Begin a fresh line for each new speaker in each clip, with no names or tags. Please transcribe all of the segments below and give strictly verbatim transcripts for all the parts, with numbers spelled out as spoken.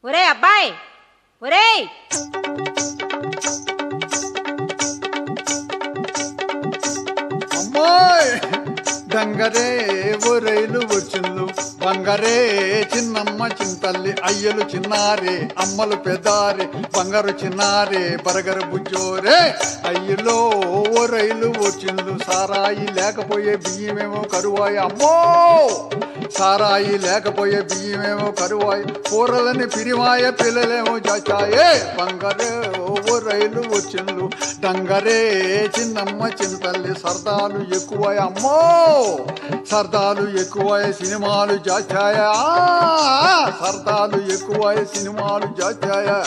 ఒరే అబ్బాయి, ఒరేయ్
అమ్మాయ్ డంగరే ఒరైలు వచ్చిండ్లు బంగారే చిన్నమ్మ చింతల్లి అయ్యలు చిన్నారే అమ్మలు పెదారే బంగారు చిన్నారే బరగరు బుజ్జోరే అయ్యలో ఓ రైలు వచ్చిండ్లు సారాయి లేకపోయే బియ్యమేమో కరువాయి అమ్మో సారాయి లేకపోయే బియ్యమేమో కరువాయి కూరలని పిరివాయ పిల్లలేమో చాచాయే బంగారే ఓ రైలు వచ్చిండ్లు డంగరే చిన్నమ్మ చింతల్లి సరదాలు ఎక్కువై అమ్మో సరదాలు ఎక్కువై సినిమాలు జాచాయా సరదాలు ఎక్కువై సినిమాలు జాచాయా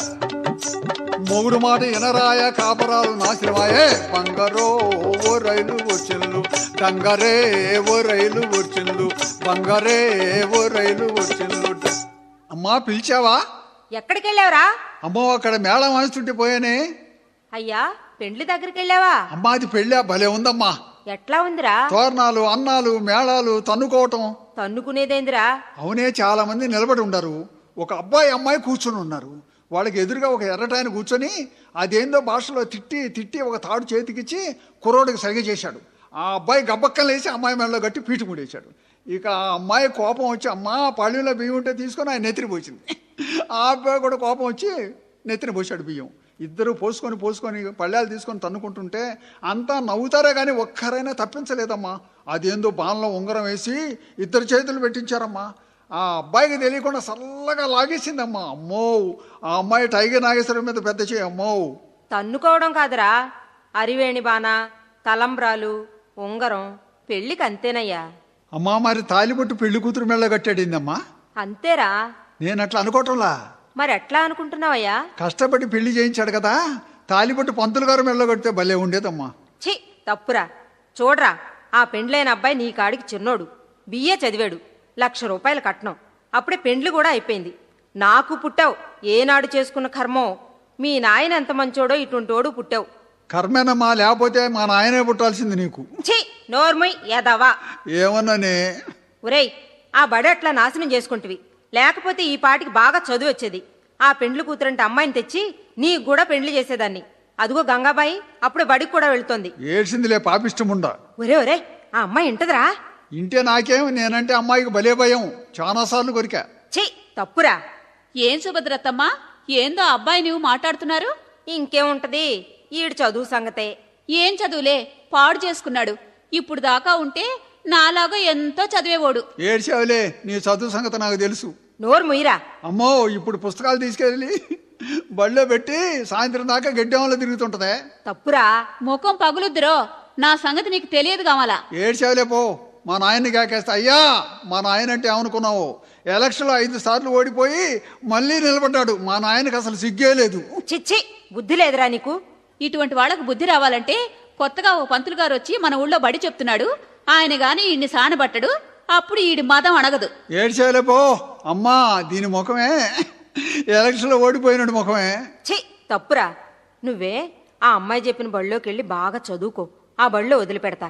మొగుడు మాట ఎనరాయ కాపరాలు నాశనమాయే బంగారో ఓ రైలు వచ్చిండ్లు డంగరే ఓ రైలు వచ్చిండ్లు బంగారే ఓ రైలు వచ్చిండ్లు. అమ్మా పిలిచావా?
ఎక్కడికి వెళ్ళావురా?
అమ్మో అక్కడ మేళం వాయిస్తుంటే పోయానే.
అయ్యా పెండ్లి దగ్గరికి వెళ్ళావా?
అమ్మా అది పెళ్ళా భలే ఉందమ్మా.
ఎట్లా ఉందిరా?
తోరణాలు అన్నాలు మేళాలు తన్నుకోవటం.
తన్నుకునేదేందిరా?
అవునే చాలా మంది నిలబడి ఉండరు. ఒక అబ్బాయి అమ్మాయి కూర్చొని ఉన్నారు. వాళ్ళకి ఎదురుగా ఒక ఎర్రటాయన కూర్చొని అదేందో భాషలో తిట్టి తిట్టి ఒక తాడు చేతికిచ్చి కుర్రోడికి సరిగ చేశాడు. ఆ అబ్బాయి గబ్బక్కలు వేసి అమ్మాయి మెడలో కట్టి పీటు ముడేశాడు. ఇక ఆ అమ్మాయి కోపం వచ్చి అమ్మా పళ్ళులో బియ్యం ఉంటే తీసుకొని ఆయన నెత్తిని పోసింది. ఆ అబ్బాయి కూడా కోపం వచ్చి నెత్తిని పోసాడు బియ్యం. ఇద్దరు పోసుకొని పోసుకొని పళ్ళాలు తీసుకొని తన్నుకుంటుంటే అంతా నవ్వుతారే కానీ ఒక్కరైనా తప్పించలేదమ్మా. అదేందో బాణలో ఉంగరం వేసి ఇద్దరు చేతులు పెట్టించారమ్మా. ఆ అబ్బాయికి తెలియకుండా చల్లగా లాగేసిందమ్మా. అమ్మో ఆ అమ్మాయి టైగర్ నాగేశ్వరం మీద పెద్ద చేయి. అమ్మో
తన్నుకోవడం కాదురా, అరివేణి బాణ, తలంబ్రాలు, ఉంగరం పెళ్లికి అంతేనయ్యా.
అమ్మా మరి తాలిబొట్టు పెళ్లి కూతురు మెళ్ళ కట్టాడిందమ్మా.
అంతేరా.
నేను అట్లా అనుకోవటంలా.
మరి ఎట్లా అనుకుంటున్నావయ్యా?
కష్టపడి పెళ్లి చేయించాడు కదా, తాలిబొట్టు పంతులు గారు మెళ్ళ కడితే భలే ఉండేదమ్మా.
ఛీ తప్పురా. చూడరా, ఆ పెండ్లైన అబ్బాయి నీ కాడికి చిన్నోడు, బిఏ చదివాడు, లక్ష రూపాయలు కట్నం, అప్పుడే పెండ్లు కూడా అయిపోయింది. నాకు పుట్టావు, ఏనాడు చేసుకున్న కర్మో. మీ నాయన ఎంత మంచోడో ఇటుంటోడు పుట్టావు.
కర్మేనమ్మా, లేకపోతే మా నాయనే పుట్టాల్సింది నీకు.
ఛీ నోర్మయ్ ఏదవా.
ఏమన్నానే?
ఒరేయ్ ఆ బడి అట్లా నాశనం చేసుకుంటువి, లేకపోతే ఈ పాటికి బాగా చదువు వచ్చేది. ఆ పెండ్లు కూతురంటే అమ్మాయిని తెచ్చి నీకు కూడా పెండ్లి చేసేదాన్ని. అదిగో గంగాబాయి అప్పుడు బడికి కూడా వెళ్తోంది.
ఏడ్చిందిలే పాపిష్టముండా.
ఒరే ఒరే ఆ అమ్మాయి ఇంటదిరా?
ఇంటే నాకేం, నేనంటే అమ్మాయికి భలే భయం. చాలాసార్లు కొరికా.
ఛీ తప్పురా.
ఏం సుభద్రత్తమ్మా, ఏందో అబ్బాయి నువ్వు మాట్లాడుతున్నారు?
ఇంకేముంటది, ఈడు చదువు సంగతే.
ఏం చదువులే, పాడు చేసుకున్నాడు. ఇప్పుడు దాకా ఉంటే నాలాగా ఎంతో చదివేవాడు.
ఏడ్చావులే, నీ చదువు సంగతి నాకు తెలుసు.
నోరు ముయిరా.
అమ్మో ఇప్పుడు పుస్తకాలు తీసుకెళ్ళి బళ్ళో పెట్టి సాయంత్రం దాకా గడ్డెంలో తిరుగుతుంటదే.
తప్పురా.
ముఖం పగులుద్దురో, నా సంగతి నీకు తెలియదు కావాలా.
ఏడ్చావులే పో. మా నాయన్ని కాకేస్తా. అయ్యా మా నాయన అంటే ఏమనుకున్నావు, ఎలక్షన్లో ఐదు సార్లు ఓడిపోయి మళ్ళీ నిలబడ్డాడు. మా నాయనకి అసలు సిగ్గే లేదు.
చిచ్చి బుద్ధి లేదురా నీకు.
ఇటువంటి వాళ్ళకు బుద్ధి రావాలంటే కొత్తగా ఓ పంతులు గారు వచ్చి మన ఊళ్ళో బడి చెప్తున్నాడు, ఆయన గాని ఈయన్ని సానబట్టడు, అప్పుడు ఈడి మదం అడగదు.
ఏడ్చావులే పో. అమ్మా దీని ముఖమే ఎలక్షన్లో ఓడిపోయినాడు ముఖమే.
ఛీ తప్పురా. నువ్వే ఆ అమ్మాయి చెప్పిన బళ్ళోకి వెళ్ళి బాగా చదువుకో, ఆ బళ్ళో వదిలిపెడతా.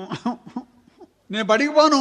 నేను బడికి పోను.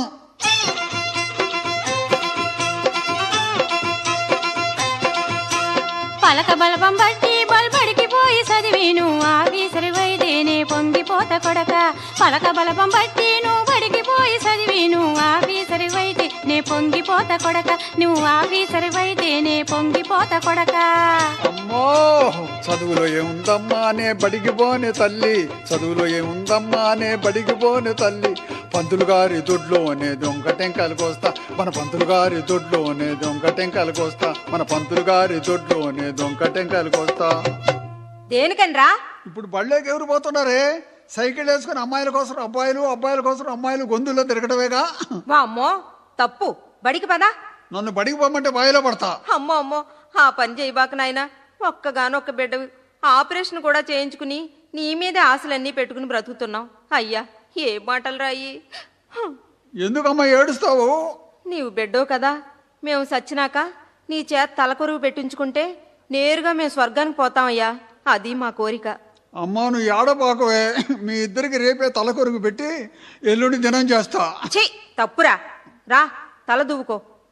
పలక బలపం బట్టి బల్బడికి పోయి చదివేను ఆఫీసరి వైదేనే పొంగిపోత కొడక. పలక బలపం బట్టి నువ్వు బడికి పోయి చదివేను ఆఫీసరి వైదే నే పొంగిపోత కొడక. నువ్వు ఆఫీసరి వైదేనే పొంగిపోత కొడక.
అమ్మో చదువులో ఏముందమ్మా నే బడికి పోనే తల్లి, చదువులో ఏముందమ్మా నే బడికి పోనే తల్లి. పంతులు గారి దొడ్లోనే దొంగ టెంకాయలు కోస్తా, మన పంతులు గారి దొడ్లోనే దొంగ టెంకాయలు కోస్తా, మన పంతులు గారి దొడ్లోనే దొంగ టెంకాయలు కోస్తా.
దేనికనరా?
ఇప్పుడు బళ్ళోకి ఎవరు పోతున్నారే? సైకిల్ వేసుకుని అమ్మాయిల కోసం అబ్బాయిలు, అబ్బాయిల కోసం అమ్మాయిలు గొంతుల్లో తిరగటమేగా.
వా అమ్మో తప్పు. బడికి పదా.
నన్ను బడికి పోమంటే బాయిలో పడతా.
అమ్మో అమ్మో ఆ పని చేయబాక నాయనా. ఒక్కగానొక్క బిడ్డవి, ఆపరేషన్ కూడా చేయించుకుని నీ మీదే ఆశలన్నీ పెట్టుకుని బ్రతుకుతున్నావు. అయ్యా ఏ మాటలు రాయి.
ఎందుకమ్మా ఏడుస్తావు?
నీవు బిడ్డో కదా, మేము సచ్చినాక నీ చేత తలకొరువు పెట్టించుకుంటే నేరుగా మేము స్వర్గానికి పోతామయ్యా, అది మా కోరిక.
అమ్మా నువ్వు ఏడబాకవే, మీ ఇద్దరికి రేపే తలకొరుగు పెట్టి ఎల్లుండి దినం చేస్తా.
ఛీ తప్పురా. రా తల దువ్వుకో.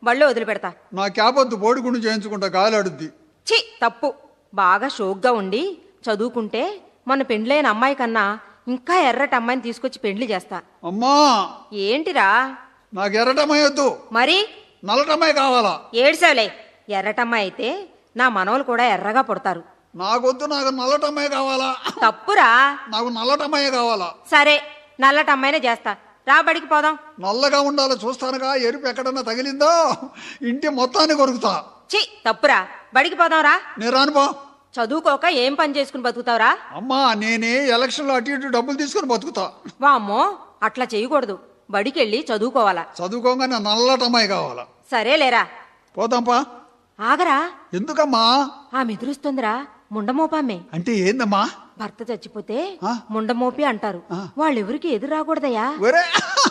బళ్ళో వదిలిపెడతా.
నా క్యాబొద్దు బోడిగుండు చేయించుకుంటా, గాలి అడుద్ది.
ఛీ తప్పు. బాగా షోక్గా ఉండి చదువుకుంటే మన పెండ్లైన అమ్మాయి కన్నా ఇంకా ఎర్రటి అమ్మాయిని తీసుకొచ్చి పెండ్లి చేస్తా.
అమ్మా,
ఏంటిరా?
నాకు ఎర్రటమ్మాయి వద్దు,
మరి
నల్లటమ్మాయి కావాలా.
ఏడ్సావులే. ఎర్రటమ్మాయి అయితే నా మనవలు కూడా ఎర్రగా పుడతారు.
నాకొద్దు, నాకు నల్లటమ్మాయి కావాలా.
తప్పురా.
నాకు నల్లటమ్మాయి కావాలా.
సరే, నల్లటమ్మాయినే చేస్తా. రా బడికి పోదాం.
నల్లగా ఉండాలి చూస్తానుగా, ఎరుపు ఎక్కడన్నా తగిలిందో ఇంటి మొత్తాన్ని కొరుకుతా.
ఛీ తప్పురా. బడికి పోదాం రా.
నేను రానుపో.
చదువుకోక ఏం పని చేసుకుని బతుకుతావురా?
అమ్మా, నేనే ఎలక్షన్లో అటు ఇటు డబ్బులు తీసుకుని బతుకుతా.
వామ్మో, అట్లా చేయకూడదు. బడికెళ్ళి చదువుకోవాలా.
చదువుకోగానే నల్లటమ్మాయి కావాలా.
సరేలేరా.
పోదాంపా.
ఆగరా.
ఎందుకమ్మా?
ఆ మెదురుస్తుందిరా. ముండమోపామే.
అంటే ఏందమ్మా?
భర్త చచ్చిపోతే
ఆ?
ముండమోపి అంటారు. వాళ్ళెవరికి ఎదురు రాకూడదయ్యా.
ఒరే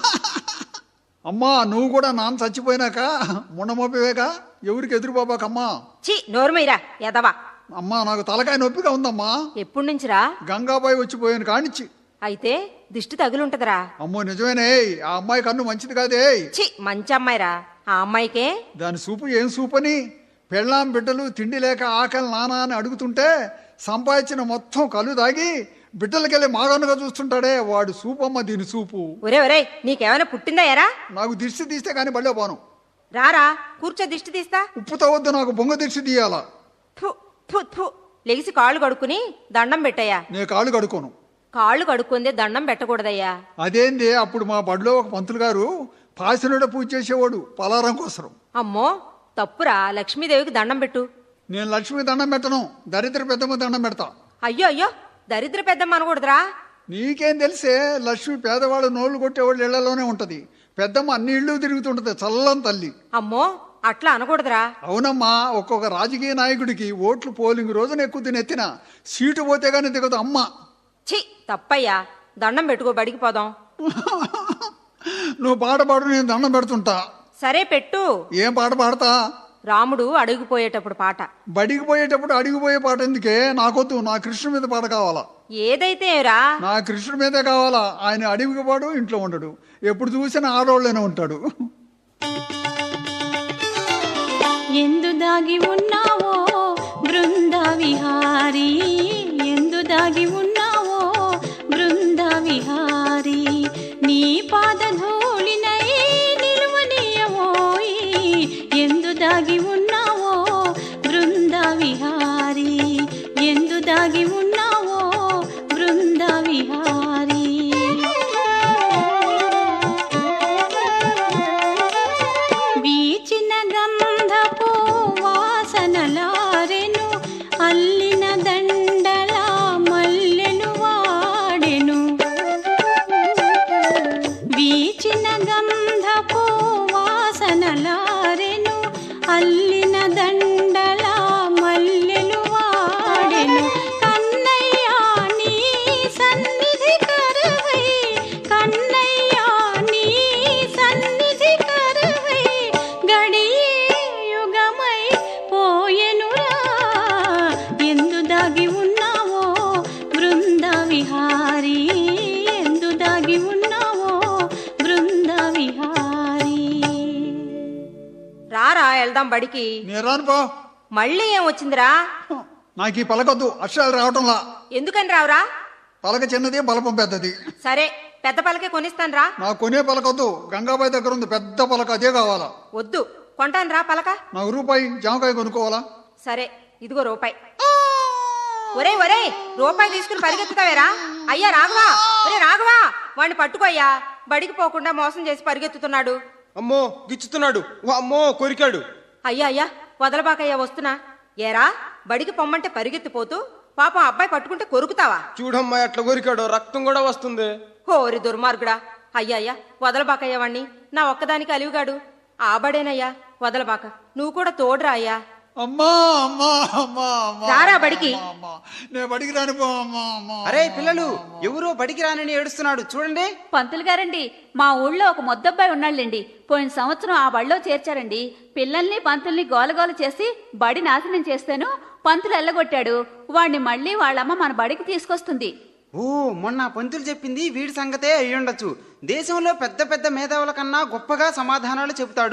అమ్మా, నువ్వు కూడా నాన్న చచ్చిపోయినాక ముండమోపివేగా, ఎవరికి ఎదురు బాబాకమ్మా.
ఛీ నోరుమైరా ఎదవా.
అమ్మా, నాకు తలకాయ నొప్పిగా ఉందమ్మా.
ఎప్పుడు నుంచిరా?
గంగాబాయి వచ్చిపోయాను కానిచ్చి.
అయితే దిష్టి తగులుంటదిరా.
అమ్మో నిజమేనే, ఆ అమ్మాయి కన్ను మంచిది కాదే.
ఛీ మంచి అమ్మాయిరా. ఆ అమ్మాయికే
దాని సూపు ఏం సూపు అని, పెళ్ళాం బిడ్డలు తిండి లేక ఆకలి నానా అని అడుగుతుంటే సంపాదించిన మొత్తం కళ్ళు దాగి బిడ్డలకెళ్ళి మాగనుగా చూస్తుంటాడే, వాడు సూపమ్మ దీని సూపు.
ఒరే ఒరే, నీకేమైనా పుట్టిందా ఎరా?
నాకు దిష్టి తీస్తే కానీ బళ్ళో పోను.
రారా, కూర్చో దిష్టి తీస్తా.
ఉప్పుతో వద్దు, నాకు బొంగ దిష్టి తీయాలా.
ఫు ఫు ఫు. లెగిసి కాళ్ళు కడుక్కుని దండం పెట్టయ్యా.
నేను కాళ్ళు కడుకోను.
కాళ్ళు కడుక్కుందే దండం పెట్టకూడదయ్యా.
అదేంది, అప్పుడు మా బడిలో ఒక పంతులు గారు పాసినుడ పూజ చేసేవాడు పలారం కోసం.
అమ్మో తప్పురా. లక్ష్మీదేవికి దండం పెట్టు.
నేను లక్ష్మి దండం పెట్టను, దరిద్ర పెద్దమ్మ దండం పెడతా.
అయ్యో అయ్యో, దరిద్ర పెద్దమ్మ అనకూడదురా.
నీకేం తెలిసే, లక్ష్మి పేదవాళ్ళు నోళ్లు కొట్టేవాళ్ళు ఇళ్లలోనే ఉంటది. పెద్దమ్మ అన్ని ఇళ్ళు తిరుగుతుంటది, చల్లని తల్లి.
అమ్మో అట్లా అనకూడదురా.
అవునమ్మా, ఒక్కొక్క రాజకీయ నాయకుడికి ఓట్లు పోలింగ్ రోజున ఎక్కువ తినెత్తిన సీటు పోతే గానీ దిగదు అమ్మ.
ఛీ తప్పయ్యా. దండం పెట్టుకో, బడికి పోదాం.
నువ్వు పాట పాడు, నేను దండం పెడుతుంటా.
సరే పెట్టు.
ఏం పాట పాడతా?
రాముడు అడుగుపోయేటప్పుడు పాట.
బడికి పోయేటప్పుడు అడిగిపోయే పాట ఎందుకే? నాకొద్దు, నా కృష్ణుడి మీద పాట కావాలా.
ఏదైతే రా.
నా కృష్ణుడి మీదే కావాలా. ఆయన అడవికి పాడు, ఇంట్లో ఉండడు, ఎప్పుడు చూసినా ఆడవాళ్ళనే ఉంటాడు.
ఎందు దాగి ఉన్నావో బృంద విహారీ, ఎందు దాగి ఉన్నావో బృంద విహారీ, నీ పాదధూళినై నిలువనీయవోయి, ఎందు దాగి ఉన్నావో బృంద విహారీ, ఎందు దాగి ఉన్నావో బృంద విహారీ. వీచిన గంధపు వాసనలారెను, అల్లిన దండల మల్లెలు వాడెను, వీచిన గంధపు వాసనలారెను, అల్లిన దండల మల్లెలు వాడెను, కన్నయ్యా నీ సన్నిధి కరువై, కన్నయ్యా నీ సన్నిధి కరువై, గడియే యుగమై పోయెనురా, ఎందు దాగి ఉన్నావో బృంద విహారీ, ఎందు దాగి ఉన్నావో బృంద విహారీ.
రారా వెళ్దాం బడికి.
నేను రానుపో.
మళ్ళీ ఏం వచ్చిందిరా?
నాకు ఈ పలకొద్దు, అక్షరాలు రావటంలా.
ఎందుకని రావురా?
పలక చిన్నది, బలపం పెద్దది.
సరే పెద్ద పలకే కొనిస్తాను రా.
నాకు కొనే పలకొద్దు, గంగాబాయి దగ్గర ఉంది పెద్ద పలక, అదే కావాలా.
వద్దు, కొంటాను రా పలక.
నాకు రూపాయి జామకాయ కొనుక్కోవాలా.
సరే ఇదిగో రూపాయి. ఒరే ఒరే, రూపాయి తీసుకుని పరిగెత్తుతావేరా? అయ్యా రాఘవా, ఒరే రాఘవా, వాడిని పట్టుకోయ్యా. బడికి పోకుండా మోసం చేసి పరిగెత్తుతున్నాడు.
అమ్మో గిచ్చుతున్నాడు, అమ్మో కొరికాడు.
అయ్యా అయ్యా వదలబాకయ్యా, వస్తున్నా. ఏరా, బడికి పొమ్మంటే పరిగెత్తిపోతూ పాపం అబ్బాయి పట్టుకుంటే కొరుకుతావా?
చూడమ్మా ఎట్లా కొరికాడు, రక్తం కూడా వస్తుంది.
హోరి దుర్మార్గుడా. అయ్యా అయ్యా వదలబాకయ్యా వాణ్ణి, నా ఒక్కదానికి అలివిగాడు. ఆ బడేనయ్యా, వదలబాక. నువ్వు కూడా తోడురా అయ్యా.
అమ్మా అమ్మా అమ్మా అమ్మా,
రారా బడికి.
అమ్మా, నేను బడికి రానిపో. అమ్మా అమ్మా.
అరే పిల్లలు, ఎవరో బడికి రానని ఏడుస్తున్నాడు చూడండి.
పంతులు గారండి, మా ఊళ్ళో ఒక మొద్దబ్బాయి ఉన్నాళ్ళండి. పోయిన సంవత్సరం ఆ బడిలో చేర్చారండి. పిల్లల్ని పంతుల్ని గోలగోల చేసి బడి నాశనం చేస్తాను పంతులు ఎల్లగొట్టాడు. వాడిని మళ్ళీ వాళ్ళమ్మ మన బడికి తీసుకొస్తుంది.
ఓ, మొన్న పంతులు చెప్పింది వీడి సంగతే అయ్యుండొచ్చు. దేశంలో పెద్ద పెద్ద మేధావుల కన్నా గొప్పగా సమాధానాలు చెబుతాడు.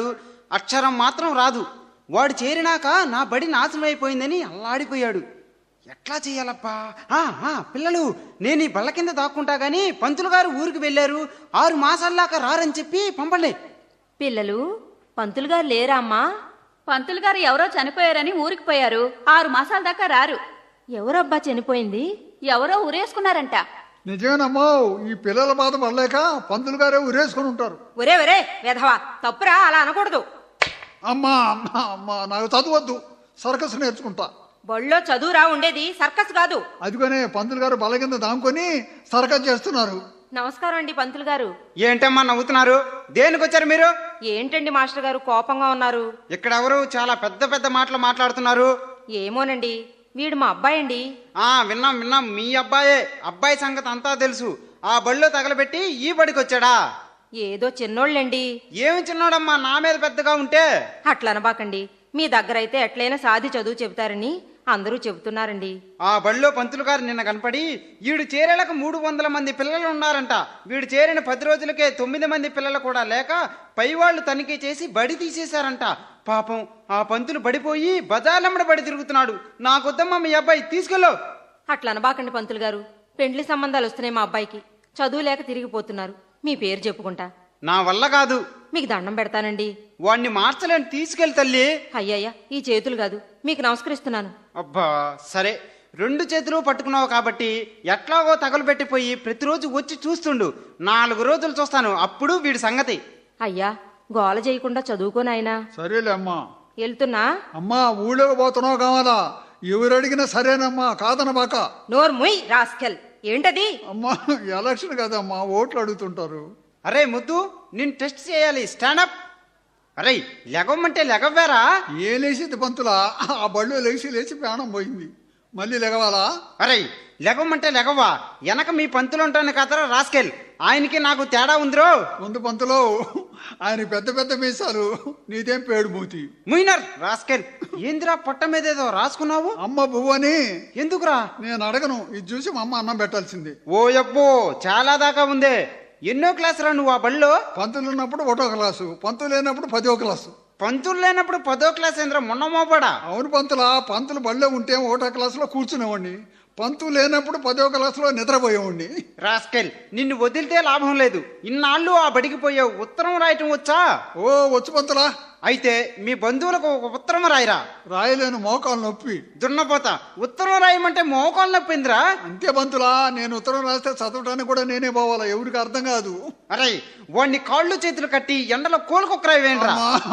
అక్షరం మాత్రం రాదు. వాడు చేరినాక నా బడి నాశనం అయిపోయిందని అల్లాడిపోయాడు. ఎట్లా చెయ్యాలప్పా? ఆ, ఆ, పిల్లలు, నేను ఈ బల్ల కింద దాక్కుంటా గాని పంతులు గారు ఊరికి వెళ్ళారు, ఆరు మాసాల్లాక రారని చెప్పి పంపండి.
పిల్లలు పంతులు గారు లేరా అమ్మా?
పంతులు గారు ఎవరో చనిపోయారని ఊరికి పోయారు, ఆరు మాసాల దాకా రారు.
ఎవరబ్బా చనిపోయింది?
ఎవరో ఊరేసుకున్నారంట.
నిజమేనమ్మా, ఈ పిల్లల బాధ పడలేక పంతులు గారే ఉరేసుకొని ఉంటారు.
ఒరే ఒరే వెధవా, తప్పురా, అలా అనకూడదు.
అమ్మా అమ్మా అమ్మా నాకు చదవద్దు, సర్కస్ నేర్చుకుంటా.
బళ్ళో చదువురా ఉండేది, సర్కస్ కాదు.
అదిగోనే పంతులు గారు బల్ల కింద దాముకొని సర్కస్ చేస్తున్నారు.
నమస్కారం అండి పంతులు గారు.
ఏంటమ్మా నవ్వుతున్నారు? దేనికి వచ్చారు మీరు?
ఏంటండి మాస్టర్ గారు కోపంగా ఉన్నారు?
ఇక్కడ ఎవరు చాలా పెద్ద పెద్ద మాటలు మాట్లాడుతున్నారు?
ఏమోనండి, వీడు మా అబ్బాయి అండి.
ఆ విన్నాం విన్నాం, మీ అబ్బాయే. అబ్బాయి సంగతి అంతా తెలుసు. ఆ బడిలో తగలబెట్టి ఈ బడికి వచ్చాడా?
ఏదో చిన్నోళ్ళండి.
ఏమి చిన్నోడమ్మా నా మీద పెద్దగా ఉంటే?
అట్లనబాకండి, మీ దగ్గరైతే ఎట్లయినా సాది చదువు చెబుతారని అందరూ చెబుతున్నారండి.
ఆ బడిలో పంతులు గారు నిన్న కనపడి వీడు చేరేలకు మూడు వందల మంది పిల్లలు ఉన్నారంట. వీడు చేరిన పది రోజులకే తొమ్మిది మంది పిల్లలు కూడా లేక పైవాళ్లు తనిఖీ చేసి బడి తీసేశారంట. పాపం ఆ పంతులు బడిపోయి బజార్లమ్మడ బడి తిరుగుతున్నాడు. నాకొద్దమ్మా మీ అబ్బాయి, తీసుకెళ్ళు.
అట్లనబాకండి పంతులు గారు, పెండ్లి సంబంధాలు వస్తున్నాయి మా అబ్బాయికి. చదువు లేక తిరిగిపోతున్నారు. మీ పేరు చెప్పుకుంటా.
నా వల్ల కాదు.
మీకు దండం పెడతానండి.
వాణ్ణి మార్చలేని, తీసుకెళ్ళి తల్లి.
అయ్యయ్యా, ఈ చేతులు కాదు, మీకు నమస్కరిస్తున్నాను.
అబ్బా సరే, రెండు చేతులు పట్టుకున్నావు కాబట్టి ఎట్లాగో తగలబెట్టిపోయి ప్రతిరోజు వచ్చి చూస్తుండు. నాలుగు రోజులు చూస్తాను, అప్పుడు వీడి సంగతి.
అయ్యా, గోల చేయకుండా చదువుకోనాయనా.
సరేలే అమ్మా.
వెళ్తున్నా.
అమ్మా ఊళ్ళోకి పోతున్నావు కావాలా? ఎవరు అడిగినా సరేనమ్మా, కాదనబాక.
నోర్ ముయ్ రాస్కెల్. ఏంటది?
అమ్మా ఎలక్షన్ కదమ్మా, ఓట్లు అడుగుతుంటారు.
అరే ముద్దు, నేను టెస్ట్ చేయాలి. స్టాండప్. అరే లెగవమంటే లెగవ్వారా?
ఏ లేచింది పంతులా? ఆ బళ్ళు లేచి లేచి ప్రాణం పోయింది, మళ్ళీ లెగవాలా?
అరే లెగవమంటే లెగవ్వా? వెనక మీ పంతులు ఉంటాను కదరా రాస్కెల్, ఆయనకి నాకు తేడా ఉందిరో.
ముందు పంతులో, ఆయన పెద్ద పెద్ద మీసాలు, నీదేం పేడు మూతి.
ముయినర్ రాస్కెల్, ఏందిరా పొట్ట మీద ఏదో రాసుకున్నావు?
అమ్మ పువ్వని.
ఎందుకురా?
నేను అడగను, ఇది చూసి మా అమ్మ అన్నం పెట్టాల్సింది.
ఓ యబ్బో, చాలా దాకా ఉందే. ఎన్నో క్లాస్ రా నువ్వు ఆ బడిలో?
పంతులు ఉన్నప్పుడు ఒకటో క్లాసు, పంతులు లేనప్పుడు పదో క్లాసు.
పంతులు లేనప్పుడు పదో క్లాస్ ఏంద్రా, మొన్న మోపడా?
అవును పంతులా, పంతులు బడిలో ఉంటే ఒకటో క్లాసులో కూర్చునేవాడిని, పంతులు లేనప్పుడు పదో క్లాసులో నిద్రపోయేవాడిని.
రాస్కెల్, నిన్ను వదిలితే లాభం లేదు. ఇన్నాళ్ళు ఆ బడికి పోయావు, ఉత్తరం రాయటం వచ్చా?
ఓ వచ్చు పంతులా.
అయితే మీ బంధువులకు ఒక ఉత్తరం రాయరా.
రాయలేను, మోకాలు నొప్పి.
దున్నపోతా, ఉత్తరం రాయమంటే మోకాలు నొప్పిందిరా.
అంతే పంతులా, నేను ఉత్తరం రాస్తే చదవటానికి కూడా నేనే పోవాలా, ఎవరికి అర్థం కాదు.
అరే వాడిని కాళ్ళు చేతులు కట్టి ఎండలో కోలుకొక్కరాయి వేయండిరా.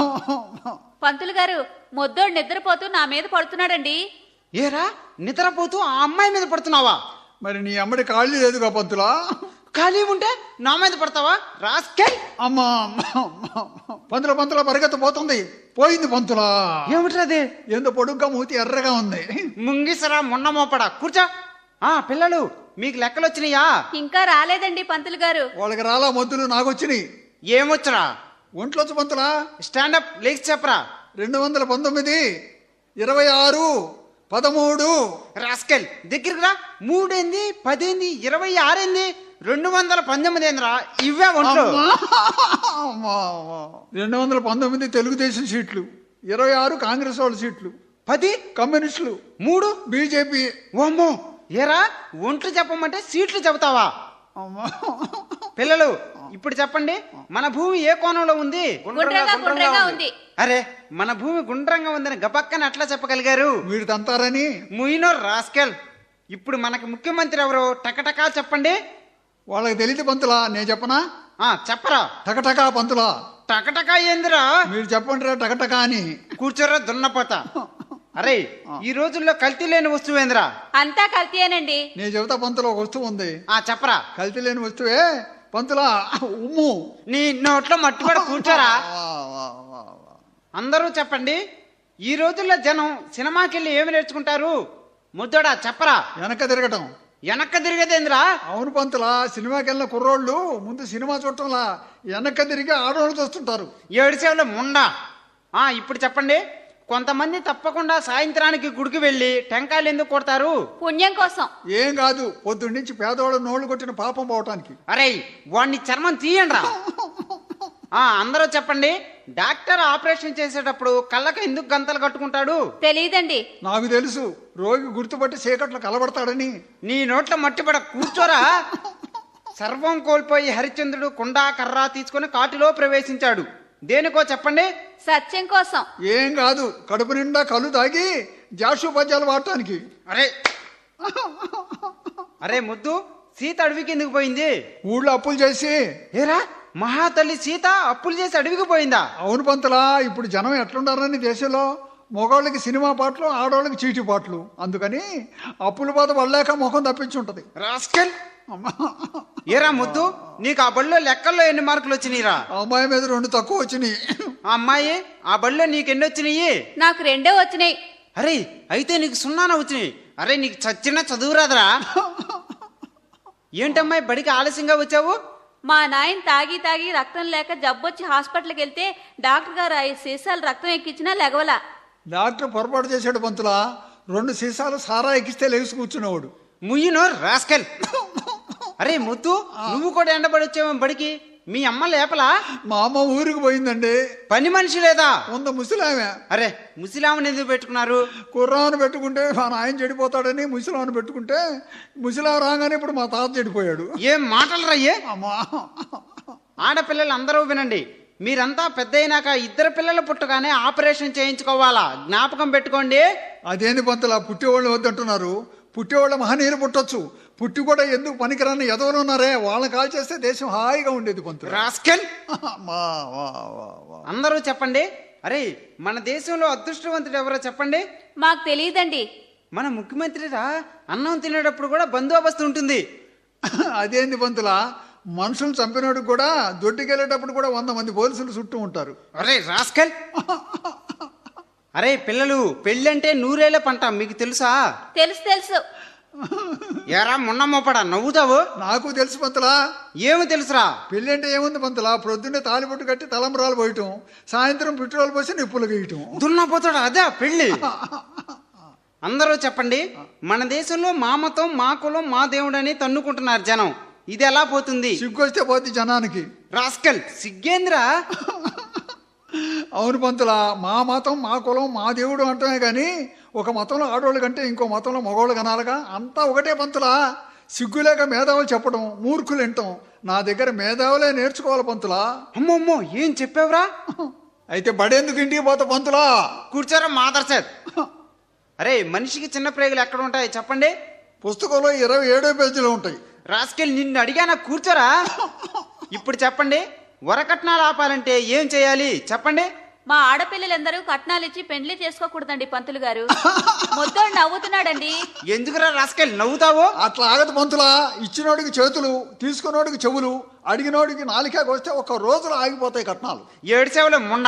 పంతులు గారు, మొద్దోడు నిద్రపోతూ నా మీద పడుతున్నాడండి.
ఏరా నిద్రపోతూ ఆ అమ్మాయి మీద పడుతున్నావా?
మరి నీ అమ్మడి కాళ్ళు లేదుగా పంతులా?
ఖాళీ ఉంటే నా మీద పడతావా రాస్కెల్?
అమ్మా పంతుల పంతుల పరిగెత్త పోతుంది. పోయింది పంతులా.
ఏమిట్రది?
ఎందు పొడుగ్గా మూతి ఎర్రగా ఉంది.
ముంగిసరా మొన్న మోపడా, కూర్చో. ఆ పిల్లలు, మీకు లెక్కలు వచ్చినాయా?
ఇంకా రాలేదండి పంతులు గారు.
వాళ్ళకి రాలా మొద్దులు, నాకు వచ్చినాయి.
ఏమొచ్చరా?
ఒంట్లోచ్చు పంతులా.
స్టాండప్ లేచి చెప్పరా.
రెండు వందల పంతొమ్మిది, ఇరవై ఆరు, పదమూడు.
రాస్కెల్ దగ్గరికి రా. మూడేంది, పదేంది, ఇరవై ఆరేంది, రెండు వందల పంతొమ్మిది ఏంద్రా? ఇవే ఒంట్లో.
రెండు వందల పంతొమ్మిది తెలుగుదేశం సీట్లు, ఇరవై ఆరు కాంగ్రెస్ వాళ్ళ సీట్లు,
పది
కమ్యూనిస్టులు,
మూడు
బీజేపీ.
ఓమ్మో, ఏరా ఒంట్లు చెప్పమంటే సీట్లు చెబుతావా? పిల్లలు ఇప్పుడు చెప్పండి, మన భూమి ఏ కోణంలో ఉంది?
గుండ్రంగా గుండ్రంగా ఉంది.
అరే మన భూమి గుండ్రంగా ఉందని గబక్కన అట్లా చెప్పగలిగారు?
మీరు తంతారని.
ముయినో రాస్కెల్, ఇప్పుడు మనకి ముఖ్యమంత్రి ఎవరు? టకటకా చెప్పండి.
వాళ్ళకి తెలియదు పంతులా, నేను చెప్పనా?
ఆ చెప్పరా.
టకటకా పంతులా.
టకటకా ఏందిరా?
మీరు చెప్పండి రా టకటకా అని.
కూర్చోరా దున్నపోతా. అరే ఈ రోజుల్లో కల్తీ లేని వస్తువు ఏందిరా?
అంతా కల్తీయేనండి.
నేను చెబుతా పంతులో, ఒక వస్తువు ఉంది.
ఆ చెప్పరా.
కల్తీ లేని వస్తువే పంతులా, ఉమ్ము.
నీ నోట్లో మట్టి కూడా కూర్చోరా. అందరూ చెప్పండి, ఈ రోజుల్లో జనం సినిమాకి వెళ్ళి ఏమి నేర్చుకుంటారు? ముద్దోడా చెప్పరా.
వెనక తిరగటం.
వెనక్క తిరిగేదేంద్రా?
అవును పంతులా, సినిమాకి వెళ్ళిన కుర్రోళ్ళు ముందు సినిమా చూడటంలా వెనక్క తిరిగి ఆడవాళ్ళు చూస్తుంటారు.
ఏడు సేవలు ముండా. ఆ ఇప్పుడు చెప్పండి, కొంతమంది తప్పకుండా సాయంత్రానికి గుడికి వెళ్ళి టెంకాయలు ఎందుకు కొడతారు?
పుణ్యం కోసం.
ఏం కాదు, పొద్దున్నుంచి పేదవాళ్ళు నోళ్లు కొట్టిన పాపం పోవటానికి.
అరే వాడిని చర్మం తీయండి రా. ఆ అందరూ చెప్పండి, డాక్టర్ ఆపరేషన్ చేసేటప్పుడు కళ్ళకి ఎందుకు గంతలు కట్టుకుంటాడు?
తెలియదండి.
నాకు తెలుసు, రోగి గుర్తుపట్టి చీకట్లో కలబడతాడని.
నీ నోట్లో మట్టిపడ కూర్చోరా. సర్వం కోల్పోయి హరిశ్చంద్రుడు కుండ కర్ర తీసుకుని కాటిలో ప్రవేశించాడు. దేనికో చెప్పండి.
సత్యం కోసం.
ఏం కాదు, కడుపు నిండా కళ్ళు తాగి జాషోపద్యాలు వాడటానికి.
అరే అరే ముద్దు, సీత అడవికి ఎందుకు పోయింది?
ఊళ్ళో అప్పులు చేసి.
ఏరా, మహాతల్లి సీత అప్పులు చేసి అడవికి పోయిందా?
అవును పంతులా, ఇప్పుడు జనం ఎట్లుండారని దేశంలో మగవాళ్ళకి సినిమా పాటలు, ఆడవాళ్ళకి చీటీ పాటలు. అందుకని అప్పుల బాధ పడలేక ముఖం తప్పించుంటది.
రాస్కెల్. ఏరా ముద్దు, నీకు ఆ బడిలో లెక్కల్లో ఎన్ని మార్కులు వచ్చినాయిరా?
అమ్మాయి మీద రెండు తక్కువ వచ్చినాయి.
ఆ అమ్మాయి ఆ బడిలో నీకు ఎన్ని వచ్చినాయి?
నాకు రెండే వచ్చినాయి.
అరే అయితే నీకు సున్నాన వచ్చినాయి. అరే నీకు చచ్చిన చదువురాదరా? ఏంటమ్మాయి బడికి ఆలస్యంగా వచ్చావు?
మా నాయన తాగి తాగి రక్తం లేక జబ్బొచ్చి హాస్పిటల్కి వెళ్తే డాక్టర్ గారు ఐదు సీసాలు రక్తం ఎక్కించినా లెగవలా.
డాక్టర్ పొరపాటు చేశాడు పంతులా, రెండు సీసాలు సారా ఎక్కిస్తే లేచి కూర్చునేవాడు.
ముయ్యినో రాస్కెల్. అరే ముద్దు, నువ్వు కూడా ఎండబడి వచ్చావు బడికి. మీ అమ్మ లేపలా?
మా అమ్మ ఊరికి పోయిందండి.
పని మనిషి లేదా?
వంద ముసలామె.
అరే ముసలామని ఎందుకు పెట్టుకున్నారు?
కుర్రాను పెట్టుకుంటే మా నాయన చెడిపోతాడని ముసలాను పెట్టుకుంటే, ముసలాం రాగానే ఇప్పుడు మా తాత చెడిపోయాడు.
ఏం మాటలు రయ్యే?
అమ్మా,
ఆడపిల్లలు అందరూ వినండి. మీరంతా పెద్ద అయినాక ఇద్దరు పిల్లలు పుట్టగానే ఆపరేషన్ చేయించుకోవాలా, జ్ఞాపకం పెట్టుకోండి.
అదేంది పంతులా, పుట్టేవాళ్ళు వద్దంటున్నారు. పుట్టేవాళ్ళ మహనీయులు పుట్టొచ్చు, పుట్టి కూడా ఎందుకు పనికిరాని ఎదవలు ఉన్నారే, వాళ్ళని కాల్ చేస్తే దేశం హాయిగా ఉండేది పంతులు.
రాస్కెల్.
మా, వా, వా, వా.
అందరూ చెప్పండి. అరే మన దేశంలో అదృష్టవంతుడు ఎవరో చెప్పండి.
మాకు తెలియదండి.
మన ముఖ్యమంత్రిరా, అన్నం తినేటప్పుడు కూడా బందోబస్తు ఉంటుంది.
అదేంది పంతులా, మనుషులు చంపినోడికి కూడా దొడ్డికెళ్ళేటప్పుడు కూడా వంద మంది పోలీసులు చుట్టూ ఉంటారు.
అరే రాస్కెల్. అరే పిల్లలు, పెళ్ళంటే నూరేళ్ల పంట, మీకు తెలుసా?
తెలుసు తెలుసు.
ఎరా మొన్న మోపడా నవ్వుతావు?
నాకు తెలుసు పంతులా.
ఏమి తెలుసురా?
పెళ్ళి అంటే ఏముంది పంతులా, ప్రొద్దున్నే తాలిబొట్టు కట్టి తలంబరాలు పోయటం, సాయంత్రం పెట్రోల్ పోసి నిప్పులు గీయటం.
దున్నపోతాడు అదే పెళ్ళి. అందరూ చెప్పండి. మన దేశంలో మా మతం, మా కులం, మా దేవుడు అని తన్నుకుంటున్నారు జనం. ఇది ఎలా పోతుంది?
సిగ్గొస్తే పోద్ది జనానికి.
రాస్కెల్, సిగ్గేంద్రా?
అవును పంతులా, మా మతం, మా కులం, మా దేవుడు అంటమే కానీ ఒక మతంలో ఆడవాళ్ళు కంటే ఇంకో మతంలో మగవాళ్ళు కనాలిగా. అంతా ఒకటే పంతులా. సిగ్గులేక మేధావులు చెప్పడం, మూర్ఖులు వింటాం. నా దగ్గర మేధావులే నేర్చుకోవాలి పంతులా.
అమ్మమ్మో, ఏం చెప్పావురా?
అయితే బడేందుకు ఇంటికి పోతా పంతులా?
కూర్చోరా మాదర్సేద్. అరే మనిషికి చిన్న ప్రేగులు ఎక్కడ ఉంటాయి చెప్పండి?
పుస్తకంలో ఇరవై ఏడో పేజీలో ఉంటాయి.
రాస్కెల్, నిన్ను అడిగానా, కూర్చోరా. ఇప్పుడు చెప్పండి, వరకట్నాలు ఆపాలంటే ఏం చేయాలి చెప్పండి?
మా ఆడపిల్లలందరూ కట్నాలు ఇచ్చి పెండ్లి చేసుకోకూడదండి పంతులు గారు. మొద్దోడు నవ్వుతున్నాడండి.
ఎందుకురా రాస్కెల్ నవ్వుతావు?
అట్లా ఆగదు పంతులా. ఇచ్చినోడికి చేతులు, తీసుకున్నోడికి చెవులు, అడిగినోడికి నాలికాకి వస్తే ఒక రోజులో ఆగిపోతాయి కట్నాలు.
ఏడ్చేవులే ముండా.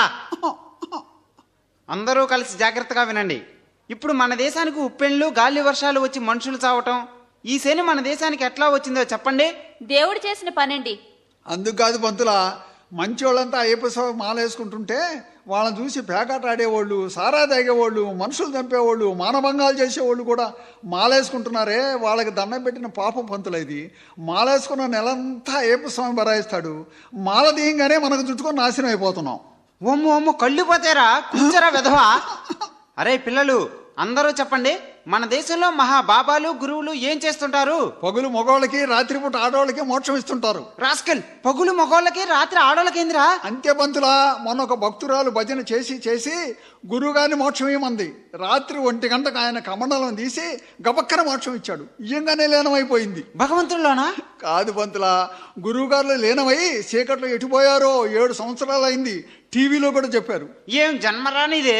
అందరూ కలిసి జాగ్రత్తగా వినండి. ఇప్పుడు మన దేశానికి ఉప్పెన్లు, గాలి వర్షాలు వచ్చి మనుషులు చావటం, ఈ శని మన దేశానికి ఎట్లా వచ్చిందో చెప్పండి?
దేవుడు చేసిన పనండి.
అందుకు కాదు పంతులా, మంచి వాళ్ళంతా అయ్యప్ప స్వామి మాల వేసుకుంటుంటే వాళ్ళని చూసి పేకాట ఆడేవాళ్ళు, సారా తాగేవాళ్ళు, మనుషులు చంపేవాళ్ళు, మానభంగాలు చేసేవాళ్ళు కూడా మాలేసుకుంటున్నారే, వాళ్ళకి దండం పెట్టిన పాపం పంతులు. ఇది మాలేసుకున్న నెలంతా అయ్యప్ప స్వామి బరాయిస్తాడు. మాల తీయంగానే మనకు చుట్టుకొని నాశనం అయిపోతున్నాం.
ఓమ్ము ఓమ్ము, కళ్ళు పోతేరా. కూర్చోరా వెధవా. అరే పిల్లలు, అందరూ చెప్పండి, మన దేశంలో మహా బాబాలు, గురువులు ఏం చేస్తుంటారు?
పగులు మగవాళ్ళకి, రాత్రిపూట ఆడవాళ్ళకి మోక్షం ఇస్తుంటారు.
రాస్కెల్, పగులు మగవాళ్ళకి, రాత్రి ఆడవాళ్ళకేందిరా?
అంతే పంతులా, మొన్న ఒక భక్తురాలు భజన చేసి చేసి గురువుగారిని మోక్షం ఇవ్వమంది. రాత్రి ఒంటి గంటకు ఆయన కమండలం తీసి గబక్కన మోక్షం ఇచ్చాడు. ఇయ్యంగానే లీనమైపోయింది.
భగవంతుల్లోనా?
కాదు పంతులా, గురువు గారు లీనమై చీకట్లో ఎటుపోయారో ఏడు సంవత్సరాలు అయింది. టీవీలో కూడా చెప్పారు.
ఏం జన్మరానిదే.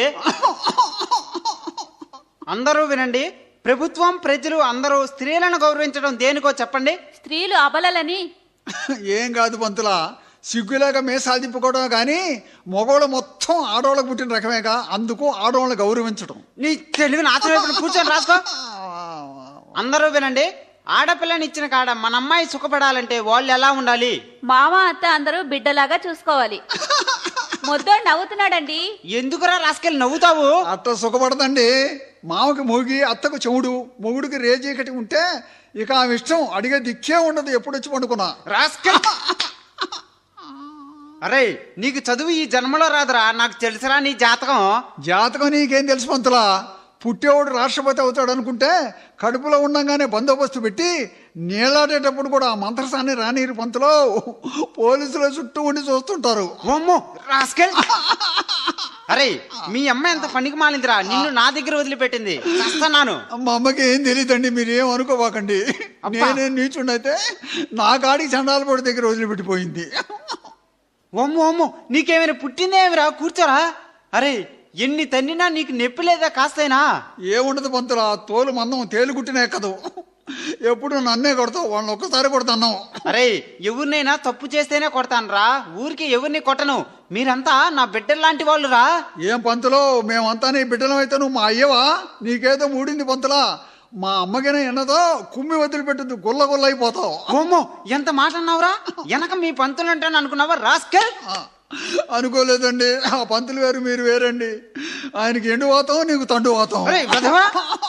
అందరూ వినండి. ప్రభుత్వం, ప్రజలు అందరూ స్త్రీలను గౌరవించడం దేనికో చెప్పండి?
స్త్రీలు అబలలని.
ఏం కాదు పంతులా, సిగ్గులేక మేసాలు తిప్పుకోవడమే కానీ మగవాళ్ళు మొత్తం ఆడవాళ్ళకు పుట్టిన రకమేగా. అందుకు ఆడవాళ్ళని గౌరవించడం.
నీ తెలివి నాశనం. కూర్చొని రాసుకో. అందరూ వినండి. ఆడపిల్లని ఇచ్చిన కాడ మన అమ్మాయి సుఖపడాలంటే వాళ్ళు ఎలా ఉండాలి?
మామ, అత్త అందరూ బిడ్డలాగా చూసుకోవాలి. మొద్దోడు నవ్వుతున్నాడండి.
ఎందుకురా రాస్కెల్ నవ్వుతావు?
అట్ట సుఖపడదండి. మామకి మొగి, అత్తకు చెవుడు, మొగుడికి రేజీకటి ఉంటే ఇక ఆమె ఇష్టం, అడిగే దిక్కే ఉండదు. ఎప్పుడు వచ్చి పండుకున్నా.
రాస్కెల్. అరే నీకు చదువు ఈ జన్మలో రాదురా, నాకు తెలుసురా నీ జాతకం.
జాతకం నీకేం తెలుసు పంతులా? పుట్టేవాడు రాష్ట్రపతి అవుతాడు అనుకుంటే కడుపులో ఉండంగానే బందోబస్తు పెట్టి నీళ్ళాడేటప్పుడు కూడా ఆ మంత్రసాన్ని రానీరు పంతులో పోలీసులు చుట్టూ ఉండి చూస్తుంటారు.
ఓమ్మో రాస్కెల్. అరే మీ అమ్మ ఎంత పనికి మాలిందిరా, నిన్ను నా దగ్గర వదిలిపెట్టింది. చేస్తున్నాను.
మా అమ్మకి ఏం తెలియదండి, మీరేం అనుకోవాకండి. నేనేం నీచుండైతే నా కాడికి చండాలపడి దగ్గర వదిలిపెట్టిపోయింది.
ఓమ్మో ఓమ్మో నీకేమైనా పుట్టిందేమిరా, కూర్చోరా. అరే ఎన్ని తన్నినా నీకు నొప్పి లేదా కాస్తైనా?
ఏముండదు పంతులా, తోలు మందం తేలుగుట్టినే కదూ. ఎప్పుడు నన్నే కొడతావు, వాళ్ళని ఒక్కసారి కొడతాను.
అరే ఎవరినైనా తప్పు చేస్తేనే కొడతాను రా, ఊరికి ఎవరిని కొట్టను. మీరంతా నా బిడ్డల్లాంటి వాళ్ళు రా.
ఏం పంతులో, మేమంతా నీ బిడ్డలం అయితే నువ్వు మా అయ్యవా? నీకేదో మూడింది పంతులా. మా అమ్మకైనా ఎన్నదో కుమ్మి వదిలిపెట్టుద్ది, గుల్ల గుల్ల అయిపోతావు.
ఓమ్మో ఎంత మాట అన్నావురా, వెనక మీ పంతులు అంటాను అనుకున్నావా రాస్కెల్?
అనుకోలేదండి, ఆ పంతులు వేరు మీరు వేరండి. ఆయనకి ఎండు వాతం, నీకు తండు వాతం.
అరే వధవా.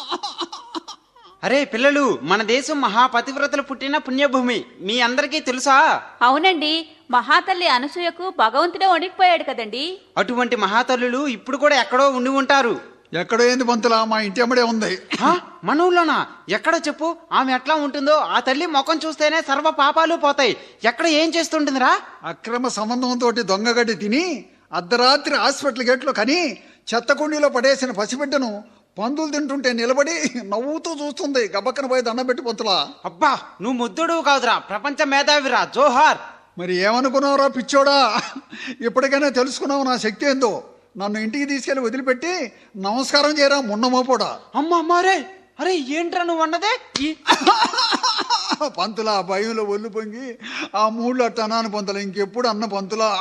అరే పిల్లలు, మన దేశం మహాపతివ్రతలు పుట్టిన పుణ్యభూమి, మీ అందరికీ తెలుసా?
అవునండి, మహాతల్లి అనసూయకు భగవంతుడే వణికిపోయాడు కదండి.
అటువంటి మహాతల్లులు ఇప్పుడు కూడా ఎక్కడో ఉండి ఉంటారు.
ఎక్కడో ఏంది పంతులా, మా ఇంటి అమ్మడే ఉంది.
హా? మన ఊళ్ళోనా? ఎక్కడ చెప్పు. ఆమె ఎట్లా ఉంటుందో, ఆ తల్లి ముఖం చూస్తేనే సర్వ పాపాలు పోతాయి. ఎక్కడ ఏం చేస్తుంటుందిరా?
అక్రమ సంబంధంతో దొంగగడ్డి తిని అర్ధరాత్రి హాస్పిటల్ గేట్లో కని చెత్త కుండీలో పడేసిన పసిబిడ్డను పందులు తింటుంటే నిలబడి నవ్వుతూ చూస్తుంది. గబక్కన పోయి దండం పెట్టి పంతులా.
అబ్బా నువ్వు ముద్దుడు కాదురా, ప్రపంచ మేధావిరా, జోహార్.
మరి ఏమనుకున్నావురా పిచ్చోడా? ఇప్పటికైనా తెలుసుకున్నావు నా శక్తి ఏందో. నన్ను ఇంటికి తీసుకెళ్లి వదిలిపెట్టి నమస్కారం చేయరా మున్నమోపోడా.
అమ్మ అమ్మారే, అరే ఏంట్రా నువ్వు అన్నదే?
పంతులా భయంలో ఒళ్ళు పొంగి ఆ మూడు అట్ట అన్నాను పంతులా, ఇంకెప్పుడు అన్న పంతులా.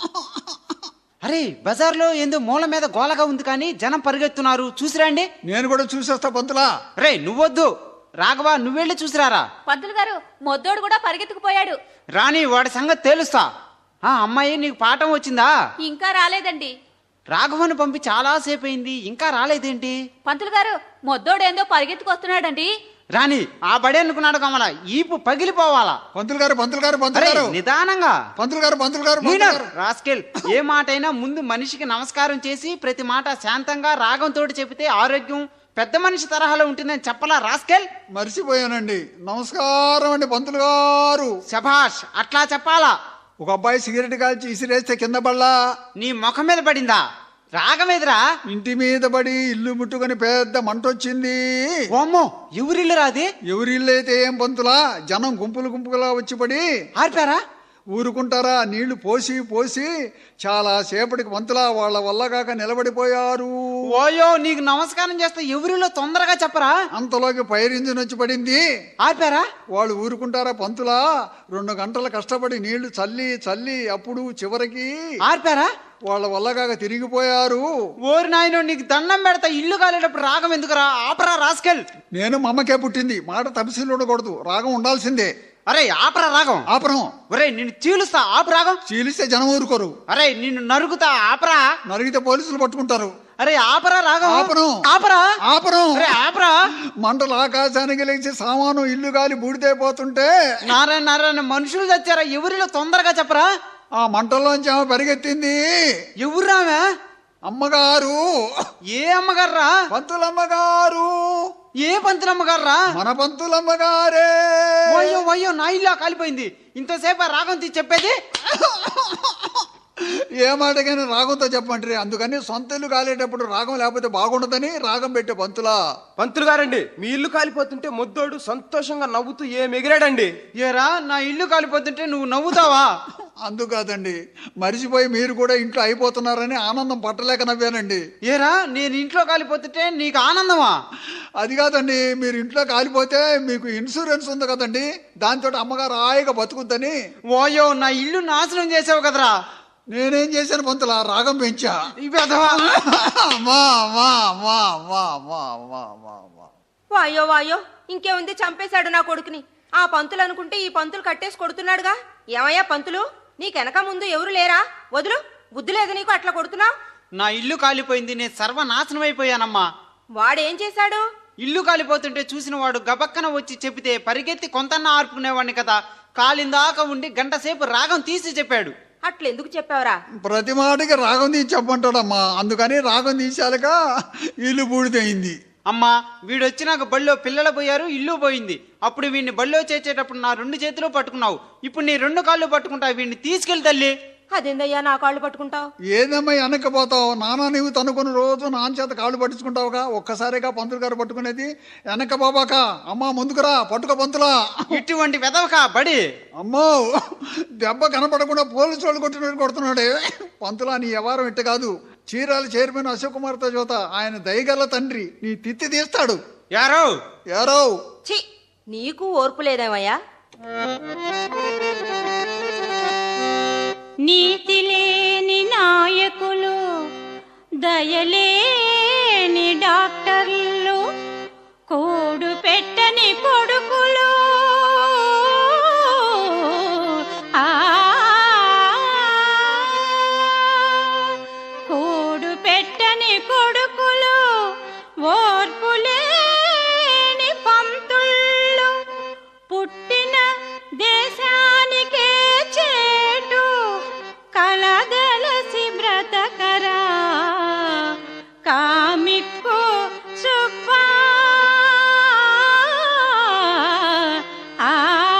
అరే బజార్లో ఏందో మూల మీద గోలగా ఉంది కానీ జనం పరిగెత్తున్నారు, చూసిరండి.
నేను కూడా చూసేస్తా పంతులా.
రే నువ్వొద్దు, రాఘవా నువ్వెళ్ళి చూసిరారా.
పంతులు గారు, మొద్దోడు కూడా పరిగెత్తుకుపోయాడు.
రాని వాడి సంగతి తేలుస్తా. ఆ అమ్మాయి నీకు పాఠం వచ్చిందా?
ఇంకా రాలేదండి.
రాఘవను పంపి చాలా సేపు అయింది, ఇంకా రాలేదేంటి?
పంతులు గారు, మొద్దోడేందో పరిగెత్తుకొస్తున్నాడండి.
రాని ఆ బడే అనుకున్నాడు కమల, ఈపు పగిలిపోవాలా.
పంతులు గారు పంతులు గారు పంతులు
అరే
గారు
నిదానంగా.
పంతులు గారు పంతులు గారు పంతులు గారు.
రాస్కెల్, ఏ మాట అయినా ముందు మనిషికి నమస్కారం చేసి ప్రతి మాట శాంతంగా రాగంతో చెబితే ఆరోగ్యం పెద్ద మనిషి తరహాలో ఉంటుందని చెప్పలా రాస్కెల్?
మర్చిపోయానండి. నమస్కారం అండి పంతులు గారు.
శభాష్, అట్లా చెప్పాలా.
ఒక అబ్బాయి సిగరెట్ కాల్చి ఇసిరేస్తే కింద పడలా,
నీ ముఖం మీద పడిందా? రాగమేదిరా?
ఇంటి మీద పడి ఇల్లు ముట్టుకొని పెద్ద మంట వచ్చింది.
ఓమ్మో ఎవరిల్లు రాది?
ఎవరి ఇల్లు అయితే ఏం పంతులా, జనం గుంపులు గుంపులుగా వచ్చి పడి
ఆర్పారా?
ఊరుకుంటారా? నీళ్లు పోసి పోసి చాలా సేపటికి పంతులా వాళ్ళ వల్ల కాక నిలబడిపోయారు.
ఓయో నీకు నమస్కారం చేస్తే ఎవరిలో తొందరగా చెప్పరా?
అంతలోకి ఫైర్ ఇంజిన్ వచ్చి పడింది.
ఆర్పారా?
వాళ్ళు ఊరుకుంటారా పంతులా? రెండు గంటలు కష్టపడి నీళ్లు చల్లి చల్లి అప్పుడు చివరికి
ఆర్పారా?
వాళ్ళ వల్ల కాక తిరిగిపోయారు.
ఓరి నాయనో, నీకు దండం పెడతా, ఇల్లు కాలేటప్పుడు రాగం ఎందుకురా? ఆపరా రాస్కెల్.
నేను మా అమ్మకే పుట్టింది, మాట తపశీలు ఉండకూడదు, రాగం ఉండాల్సిందే.
అరే ఆపరా రాగం.
ఆపరం.
ఒరే నిన్ను చీలుస్తా, ఆపు రాగం.
చీలిస్తే జనం ఊరుకోరు.
అరే నిన్ను నరుకుతా, ఆపరా.
నరిగితే పోలీసులు పట్టుకుంటారు.
అరే ఆపరా రాగం.
ఆపను.
ఆపరా.
ఆపరం.
అరే ఆపరా.
మంటలు ఆకాశానికి లేచి సామాను ఇల్లు గాలి బూడిదైపోతుంటే
నారాయణ నారాయణ, మనుషులు తెచ్చారా? ఎవరిలో తొందరగా చెప్పరా?
ఆ మంటల్లోంచి ఆమె పరిగెత్తింది.
ఎవరురావా?
అమ్మగారు.
ఏ అమ్మగారా?
పంతులమ్మగారు.
ఏ పంతులమ్మగారా?
మన పంతులమ్మగారే.
అయ్యో అయ్యో, నా ఇల్లు కాలిపోయింది. ఇంతసేపు ఆ రాగం తీసి చెప్పేది.
ఏ మాటకైనా రాగంతో చెప్పంటారు. అందుకని సొంత ఇల్లు కాలేటప్పుడు రాగం లేకపోతే బాగుండదని రాగం పెట్టే పంతులా.
పంతులు గారండి, మీ ఇల్లు కాలిపోతుంటే ముద్దోడు సంతోషంగా నవ్వుతూ ఏ ఎగిరాడండి.
ఏరా నా ఇల్లు కాలిపోతుంటే నువ్వు నవ్వుతావా?
అందుకాదండి, మరిచిపోయి మీరు కూడా ఇంట్లో అయిపోతున్నారని ఆనందం పట్టలేక నవ్వానండి.
ఏరా నేను ఇంట్లో కాలిపోతుంటే నీకు ఆనందమా?
అది కాదండి, మీరు ఇంట్లో కాలిపోతే మీకు ఇన్సూరెన్స్ ఉంది కదండి, దాంతో అమ్మగారు హాయిగా బతుకుద్దని.
ఓయో నా ఇల్లు నాశనం చేసావు కదరా.
నేనేం చేశాను పంతులా, రాగం పెంచా.
ఇవ్వదవా.
అమ్మా అమ్మా అమ్మా అమ్మా అమ్మా అమ్మా అమ్మా అమ్మా.
వాయో వాయో, ఇంకేముంది, చంపేశాడు నా కొడుకుని. ఆ పంతులు అనుకుంటే ఈ పంతులు కట్టేసి కొడుతున్నాడుగా. ఏమయ్యా పంతులు, నీకెనక ముందు ఎవరు లేరా? వదులు, బుద్ధి లేదు నీకు, అట్లా కొడుతున్నావు.
నా ఇల్లు కాలిపోయింది, నేను సర్వనాశనం అయిపోయానమ్మా.
వాడేం చేశాడు?
ఇల్లు కాలిపోతుంటే చూసిన వాడు గబక్కన వచ్చి చెబితే పరిగెత్తి కొంతన్నా ఆర్పుకునేవాడిని కదా. కాలిందాక ఉండి గంట సేపు రాగం తీసి చెప్పాడు.
అట్లెందుకు చెప్పావురా?
ప్రతి మాటకి రాగం తీసి చెప్పంటాడమ్మా, అందుకని రాగం తీసాక ఇల్లు బూడిదయింది.
అమ్మా వీడొచ్చి నాకు బళ్ళో పిల్లలు పోయారు, ఇల్లు పోయింది. అప్పుడు వీడిని బళ్ళో చేర్చేటప్పుడు నా రెండు చేతులు పట్టుకున్నావు, ఇప్పుడు నీ రెండు కాళ్ళు పట్టుకుంటావు. వీడిని తీసుకెళ్ళి తల్లి.
అదేందయ్యా నా కాళ్ళు పట్టుకుంటావు?
ఏదమ్మా వెనక్కపోతావు? నానా నీవు తనుకుని రోజు నాన్న చేత కాళ్ళు పట్టించుకుంటావుగా, ఒక్కసారిగా పంతులు గారు పట్టుకునేది. వెనక బాబాక అమ్మా ముందుకురా, పట్టుక పంతులా.
ఇటువంటి వెదవకా బడి.
అమ్మో దెబ్బ కనపడకుండా పోలీసు వాళ్ళు కొట్టినట్టు కొడుతున్నాడే. పంతులా నీ వ్యవహారం ఇట్ట కాదు. చీరాల చైర్మన్ అశోక్ కుమార్తో జోత ఆయన దయగల తండ్రి, నీ తిత్తి తీస్తాడు.
యారో
యారో
ఛీ, నీకు ఓర్పు లేదేమయ్యా?
నీతి లేని నాయకులు, దయలేని డాక్టర్లు, కోడు పెట్టని కొడుకులు, ఆ కోడు పెట్టని కొడుకులు, ఓర్పు లేని పంతుళ్ళు, పుట్టిన దేశానికే చేటు కలదలసి బ్రతకరా కామిక్కు సుబ్బా. ఆ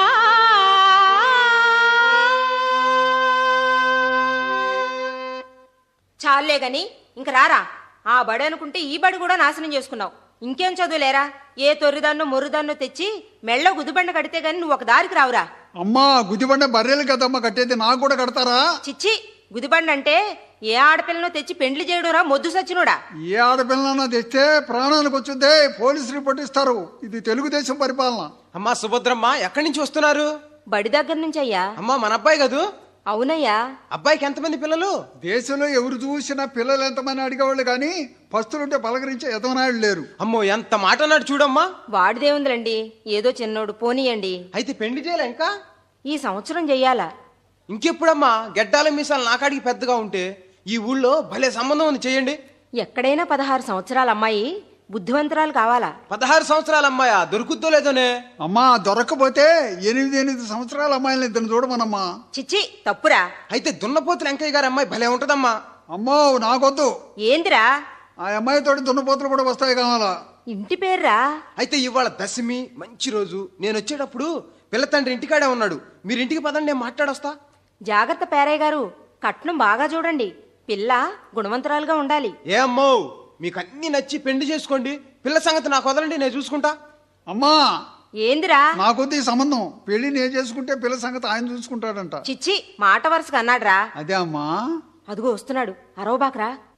చాలే గాని ఇంక రారా. ఆ బడి అనుకుంటే ఈ బడి కూడా నాశనం చేసుకున్నావు. ఇంకేం చదువులేరా? ఏ తొర్రిదాన్నో మొర్రిదాన్నో తెచ్చి మెళ్ళో గుదిబండ కడితే గాని నువ్వు ఒక దారికి రావురా.
అమ్మా గుదిబండ బర్రెలు కదమ్మా కట్టేది, నాకు కూడా కడతారా?
చిచ్చి, గుదిబండ అంటే ఏ ఆడపిల్లనో తెచ్చి పెండ్లి చేయడురా మొద్దు సచ్చినోడా.
ఏ ఆడపిల్లనన్నా తెస్తే ప్రాణానికి వచ్చిందే పోలీసు రిపోర్ట్ ఇస్తారు. ఇది తెలుగుదేశం పరిపాలన.
అమ్మా సుభద్రమ్మ ఎక్కడి నుంచి వస్తున్నారు?
బడి దగ్గర నుంచి అయ్యా.
అమ్మా మన అబ్బాయి కదూ?
అవునయ్యా.
అబ్బాయికి ఎంతమంది పిల్లలు?
దేశంలో ఎవరు చూసినా పిల్లలు ఎంతమంది అడిగేవాళ్ళు కానీ పస్తులుంటే పలకరించే ఎదవనాయుడు లేరు.
అమ్మో ఎంత మాట అన్నాడు చూడమ్మా.
వాడిదేముందిలండి, ఏదో చిన్నోడు, పోనీయండి.
అయితే పెళ్లి చేయాలా ఇంకా?
ఈ సంవత్సరం చెయ్యాలా?
ఇంకెప్పుడమ్మా? గెడ్డాల మీసాలు నాకాడికి పెద్దగా ఉంటే ఈ ఊళ్ళో భలే సంబంధం ఉంది, చేయండి.
ఎక్కడైనా పదహారు సంవత్సరాల అమ్మాయి బుద్ధివంతురాలు కావాలా?
పదహారు సంవత్సరాల అమ్మాయా? దొరుకుద్దో లేదోనే.
అమ్మా దొరకపోతే ఎనిమిది ఎనిమిది సంవత్సరాల అమ్మాయిని ఇద్దరు చూడమనమ్మా.
చిచ్చి తప్పురా.
అయితే దున్నపోతులు వెంకయ్య గారి అమ్మాయి భలే ఉంటదమ్మా.
అమ్మో నాకొద్దు.
ఏందిరా?
ఆ అమ్మాయితోటి దున్నపోతులు కూడా వస్తాయి కావాలా.
ఇంటి పేర్రా?
అయితే ఇవాళ దశమి మంచి రోజు. నేను వచ్చేటప్పుడు పిల్ల తండ్రి ఇంటికాడే ఉన్నాడు. మీరు ఇంటికి పదండి, నేను మాట్లాడొస్తా.
జాగ్రత్త పేరయ్య గారు, కట్నం బాగా చూడండి. పిల్ల గుణవంతురాలుగా ఉండాలి.
ఏ అమ్మో, మీకు అన్ని నచ్చి పెళ్లి చేసుకోండి. పిల్ల సంగతి నాకు వదలండి, నేను చూసుకుంటా.
అమ్మా
ఏందిరా?
నాకొద్దు ఈ సంబంధం. పెళ్లి నేను చేసుకుంటే పిల్ల సంగతి ఆయన చూసుకుంటాడంట.
చిచ్చి మాట వరుసగా అన్నాడ్రా.
అదే అమ్మా.
అదిగో వస్తున్నాడు, అరవబాకరా.